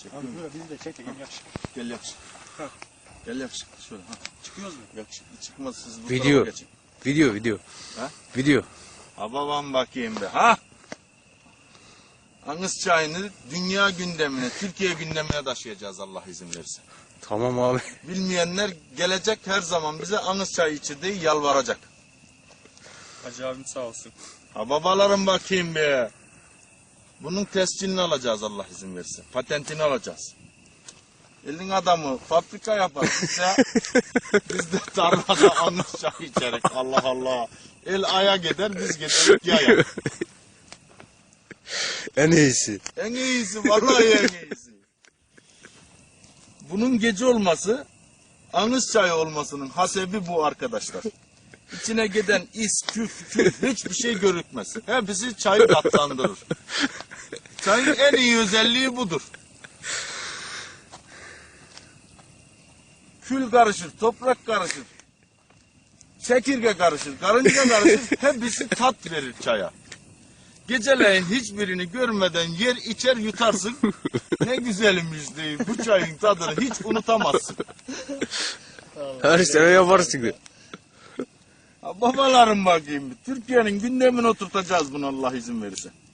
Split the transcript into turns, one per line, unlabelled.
çek.
Abi böyle bizi de çek de gel yakışık.
Gel yakışık.
Ha.
Gel yakışık. Şöyle. Ha.
Çıkıyoruz mu?
Yakışıklı çıkmaz, siz bu
Video.
tarafa geçin.
Video.
Ha?
Video.
Ha babam bakayım be. Ha? Anız çayını dünya gündemine, Türkiye gündemine taşıyacağız Allah izin verirse.
Tamam abi.
Bilmeyenler gelecek, her zaman bize anız çayı içir diye yalvaracak.
Hacı abim sağ olsun.
Ha babalarım bakayım be. Bunun tescilini alacağız Allah izin verirse. Patentini alacağız. Elin adamı fabrika yapar. Biz de tarlada anız çayı içerek. Allah Allah. El aya gider, biz giderik yaya.
En iyisi.
En iyisi, vallahi en iyisi. Bunun gece olması, anız çayı olmasının hasebi bu arkadaşlar. İçine giden is, küf, hiçbir şey görükmez. Hepsi çayı tatlandırır. Çayın en iyi özelliği budur. Kül karışır, toprak karışır, çekirge karışır, karınca karışır, hepsi tat verir çaya. Geceleyin hiçbirini görmeden yer içer yutarsın. Ne güzelmiş değil. Bu çayın tadını hiç unutamazsın.
Her sene yaparız şimdi.
Ha, babalarım bakayım. Türkiye'nin gündemine oturtacağız bunu Allah izin verirse.